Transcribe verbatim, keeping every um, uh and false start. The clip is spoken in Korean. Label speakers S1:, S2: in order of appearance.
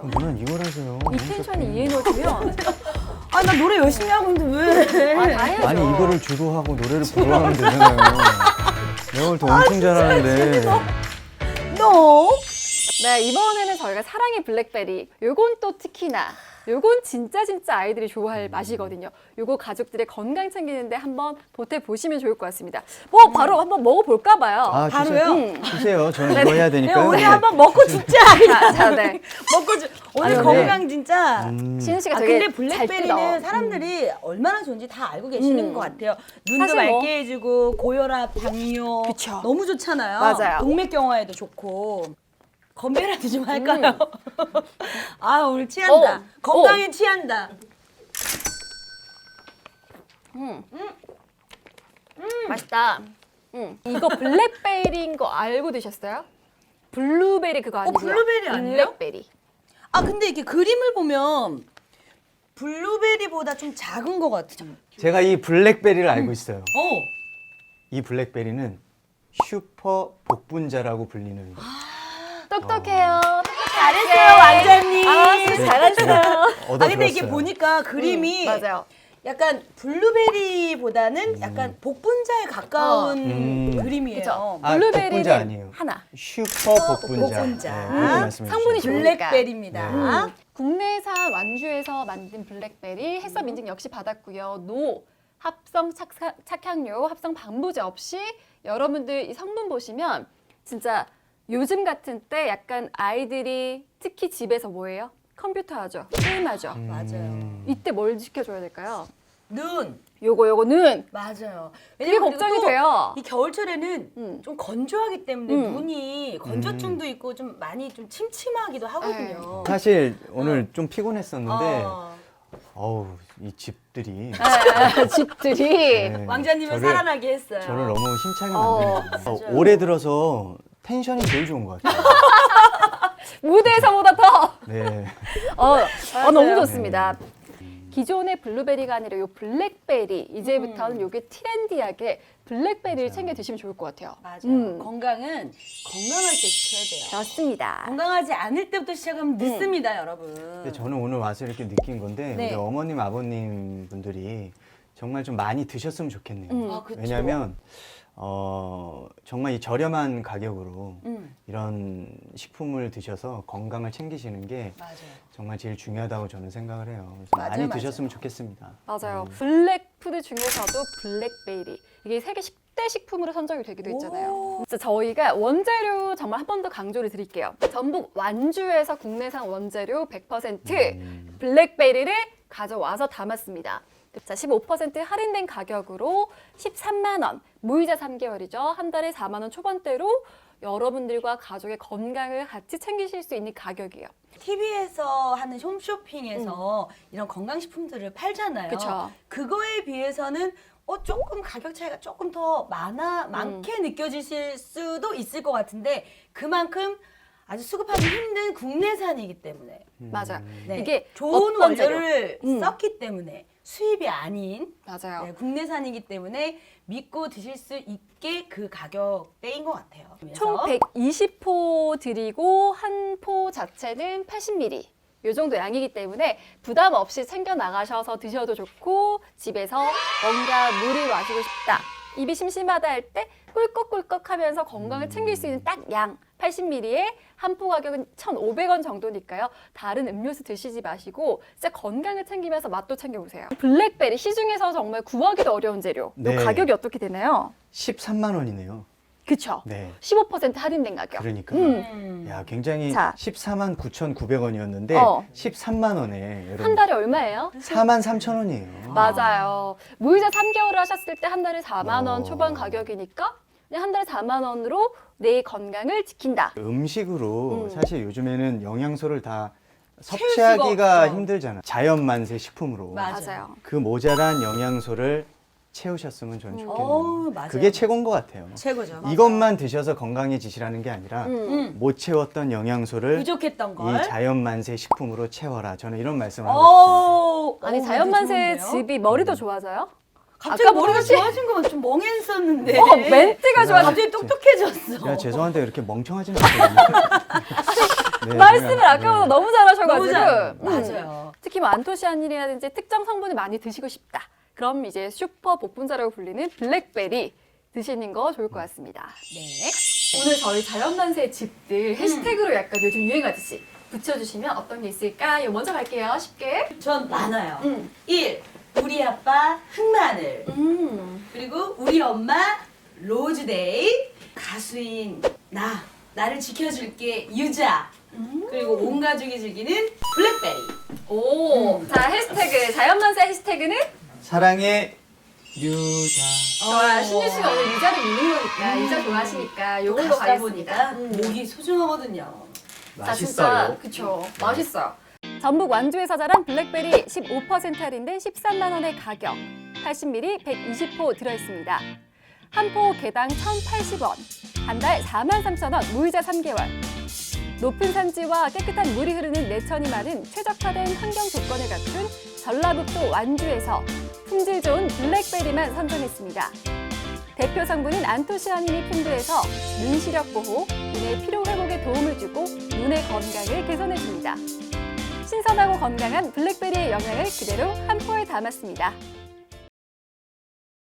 S1: 그렇죠.
S2: 누나 이걸 하세요.
S1: 이 텐션이 이 에너지면
S3: 아, 나 노래 열심히 하고 있는데 왜?
S1: 아, 다 해야죠.
S2: 아니 이거를 주도하고 노래를 부르면 되잖아요. 내가 오늘 더 엄청 잘하는데.
S3: 너?
S1: 네, 이번에는 저희가 사랑의 블랙베리. 요건 또 특히나 요건 진짜 진짜 아이들이 좋아할 맛이거든요. 요거 가족들의 건강 챙기는데 한번 보태보시면 좋을 것 같습니다. 뭐 바로 한번 먹어볼까 봐요.
S2: 아,
S3: 바로요?
S2: 주세요.
S1: 음.
S2: 주세요. 저는 이거 해야
S3: 네,
S2: 되니까요.
S3: 우리
S2: 네.
S3: 한번 먹고 죽자.
S1: 자, 자, 네.
S3: 먹고 죽. 오늘
S2: 아니,
S3: 건강 진짜.
S2: 음.
S1: 신은 씨가
S3: 아
S1: 되게
S3: 근데 블랙베리는
S1: 잘 뜯어.
S3: 사람들이 얼마나 좋은지 다 알고 계시는
S1: 음.
S3: 것 같아요. 눈도
S1: 사실 뭐-
S3: 맑게 해주고 고혈압, 당뇨
S1: 그쵸.
S3: 너무 좋잖아요.
S1: 맞아요.
S3: 동맥경화에도 좋고. 건배라도 좀 할까요? 아 오늘 취한다.
S1: 오.
S3: 건강에 취한다.
S1: 음. 맛있다. 음. 이거 블랙베리인 거 알고 드셨어요? 블루베리 그거 아니고요.
S3: 블루베리 아니에요?
S1: 블랙베리.
S3: 아 근데 이렇게 그림을 보면 블루베리보다 좀 작은 것 같아.
S2: 제가 이 블랙베리를 알고 있어요.
S3: 어.
S2: 이 블랙베리는 슈퍼 복분자라고 불리는
S1: 똑똑해요.
S3: 잘했어요 완전히.
S1: 아, 진짜 잘하시네요.
S2: 얻어
S3: 아 근데 이게
S2: 들었어요.
S3: 보니까 그림이
S1: 음, 맞아요.
S3: 약간 블루베리보다는 약간 복분자에 가까운
S2: 음.
S3: 그림이에요.
S1: 그쵸.
S2: 아,
S1: 블루베리는
S2: 복분자 아니에요.
S1: 하나.
S2: 슈퍼 복분자.
S3: 복분자.
S2: 네, 그렇게
S3: 음,
S2: 말씀해
S1: 성분이
S2: 주셨어요.
S1: 좋으니까.
S3: 블랙베리입니다.
S1: 음. 국내산 완주에서 만든 블랙베리 해썹 인증 역시 받았고요. 노, 합성 착사, 착향료, 합성 방부제 없이 여러분들 이 성분 보시면 진짜 요즘 같은 때 약간 아이들이 특히 집에서 뭐예요? 컴퓨터 하죠. 게임하죠.
S2: 음.
S3: 맞아요.
S1: 이때 뭘 지켜줘야 될까요?
S3: 눈.
S1: 요거 요거 눈.
S3: 맞아요.
S1: 그게
S3: 왜냐면
S1: 걱정이
S3: 그리고 또
S1: 돼요.
S3: 이 겨울철에는
S1: 음.
S3: 좀 건조하기 때문에
S1: 음.
S3: 눈이 건조증도 있고 좀 많이 좀 침침하기도 하거든요.
S2: 사실 오늘 좀 피곤했었는데
S3: 어.
S2: 어우 이 집들이
S1: 아, 집들이.
S2: 네,
S3: 왕자님을
S2: 저를-
S3: 살아나게 했어요.
S2: 저를 너무 힘차게
S1: 어,
S2: 만드는 어,
S3: 맞아요.
S2: 올해 들어서 텐션이 제일 좋은 것 같아요.
S1: 무대에서보다 더.
S2: 네.
S1: 어, 어, 너무
S3: 맞아요.
S1: 좋습니다. 기존의 블루베리가 아니라 요 블랙베리 이제부터는 요게 트렌디하게 블랙베리를
S2: 맞아요.
S1: 챙겨 드시면 좋을 것 같아요.
S3: 맞아요.
S1: 음.
S3: 건강은 건강할 때 지켜야 돼요.
S1: 그렇습니다.
S3: 건강하지 않을 때부터 시작하면 늦습니다, 여러분.
S2: 근데 저는 오늘 와서 이렇게 느낀 건데
S3: 네.
S2: 우리 어머님 아버님 분들이 정말 좀 많이 드셨으면 좋겠네요.
S1: 음.
S3: 아, 그쵸.
S2: 왜냐하면 어, 정말 이 저렴한 가격으로
S3: 음,
S2: 이런 식품을 드셔서 건강을 챙기시는 게
S3: 맞아요.
S2: 정말 제일 중요하다고 저는 생각을 해요. 그래서
S3: 맞아요,
S2: 많이
S3: 맞아요.
S2: 드셨으면 좋겠습니다.
S1: 맞아요.
S2: 음.
S1: 블랙푸드 중에서도 블랙베리. 이게 세계 십 대 식품으로 선정이 되기도 했잖아요.
S3: 오.
S1: 진짜 저희가 원재료 정말 한 번 더 강조를 드릴게요. 전북 완주에서 국내산 원재료 백 퍼센트
S2: 음.
S1: 블랙베리를 가져와서 담았습니다. 자, 십오 퍼센트 할인된 가격으로 십삼만 원, 무이자 삼 개월이죠. 한 달에 사만 원 초반대로 여러분들과 가족의 건강을 같이 챙기실 수 있는 가격이에요.
S3: 티비에서 하는 홈쇼핑에서 이런 건강식품들을 팔잖아요.
S1: 그쵸.
S3: 그거에 비해서는 어, 조금 가격 차이가 조금 더 많아, 많게 느껴지실 수도 있을 것 같은데 그만큼 아주 수급하기 힘든 국내산이기 때문에
S1: 맞아요.
S3: 네,
S1: 이게
S3: 좋은
S1: 어떤 재료?
S3: 원료를
S1: 음.
S3: 썼기 때문에 수입이 아닌
S1: 맞아요.
S3: 네, 국내산이기 때문에 믿고 드실 수 있게 그 가격대인 것 같아요.
S1: 총
S3: 그래서
S1: 백이십 포 드리고 한 포 자체는 팔십 밀리리터. 이 정도 양이기 때문에 부담 없이 챙겨 나가셔서 드셔도 좋고 집에서 뭔가 물을 마시고 싶다. 입이 심심하다 할 때 꿀꺽꿀꺽 하면서 건강을 챙길 수 있는 딱 양 팔십 밀리리터에 한 포 가격은 천오백 원 정도니까요. 다른 음료수 드시지 마시고 진짜 건강을 챙기면서 맛도 챙겨보세요. 블랙베리 시중에서 정말 구하기도 어려운 재료. 이
S2: 네.
S1: 가격이 어떻게 되나요?
S2: 십삼만 원이네요.
S1: 그쵸?
S2: 네.
S1: 십오 퍼센트 할인된 가격.
S2: 그러니까.
S1: 음.
S3: 음.
S2: 야, 굉장히
S1: 자.
S2: 십사만 구천구백 원이었는데
S1: 어.
S2: 십삼만 원에 여러분
S1: 한 달에 얼마예요?
S2: 사만 삼천 원이에요.
S1: 맞아요. 무이자 삼 개월을 하셨을 때 한 달에 사만 원
S2: 어.
S1: 초반 가격이니까 그냥 한 달에 사만 원으로 내 건강을 지킨다.
S2: 음식으로
S1: 음.
S2: 사실 요즘에는 영양소를 다
S3: 수가
S2: 섭취하기가
S3: 없죠.
S2: 힘들잖아요. 자연 만세 식품으로.
S3: 맞아요.
S1: 맞아요.
S2: 그 모자란 영양소를 채우셨으면 저는
S1: 음.
S2: 좋겠네요.
S3: 어우, 맞아요.
S2: 그게 최고인 것 같아요.
S3: 최고죠.
S2: 이것만 드셔서 건강해지시라는 게 아니라
S1: 음.
S3: 음.
S2: 못 채웠던 영양소를
S3: 부족했던 걸.
S2: 이 자연 만세 식품으로 채워라. 저는 이런 말씀을 하고 싶습니다.
S3: 어,
S1: 아니
S3: 어,
S1: 자연만세
S3: 멘트 좋은데요?
S1: 집이 머리도 좋아져요?
S3: 갑자기
S1: 아까
S3: 머리가
S1: 보듯이-
S3: 좋아진 건 좀 멍했었는데.
S1: 어, 멘트가 좋아져.
S3: 갑자기 똑똑해졌어.
S2: 야, 죄송한데 이렇게 멍청하진 않거든요. 네,
S1: 말씀을
S2: 그냥,
S1: 아까보다
S2: 네.
S1: 너무 잘하셔가지고.
S3: 너무 잘.
S1: 음.
S3: 맞아요.
S1: 특히 뭐 안토시아닌이라든지 특정 성분을 많이 드시고 싶다. 그럼 이제 슈퍼 복분자라고 불리는 블랙베리 드시는 거 좋을 것 같습니다.
S3: 네.
S1: 오늘 저희 자연만세 집들 해시태그로 약간 요즘 유행하듯이 붙여주시면 어떤 게 있을까요? 먼저 갈게요. 쉽게.
S3: 전 많아요.
S1: 음.
S3: 일. 우리 아빠 흑마늘.
S1: 음.
S3: 그리고 우리 엄마 로즈데이. 가수인 나. 나를 지켜줄게 유자. 그리고 온 가족이 즐기는 블랙베리.
S1: 오.
S3: 음.
S1: 자, 해시태그. 자연만세 해시태그는?
S2: 사랑의 유자.
S1: 좋아. 신유 씨가 오늘 유자를 믿는 거니까.
S3: 음.
S1: 유자 좋아하시니까 요걸로
S3: 가시다
S1: 가겠습니다.
S3: 보니까
S1: 음.
S3: 목이 소중하거든요.
S1: 자, 진짜
S2: 맛있어요.
S1: 그쵸. 맛있어요. 전북 완주에서 자란 블랙베리 십오 퍼센트 할인된 십삼만 원의 가격. 팔십 밀리리터 백이십 호 들어있습니다. 한 포 개당 천팔십 원. 한 달 사만 삼천 원 무이자 삼 개월. 높은 산지와 깨끗한 물이 흐르는 내천이 많은 최적화된 환경 조건을 갖춘 전라북도 완주에서 품질 좋은 블랙베리만 선정했습니다. 대표 성분인 안토시아닌이 풍부해서 눈 시력 보호, 눈의 피로 회복에 도움을 주고 눈의 건강을 개선해줍니다. 신선하고 건강한 블랙베리의 영양을 그대로 한 포에 담았습니다.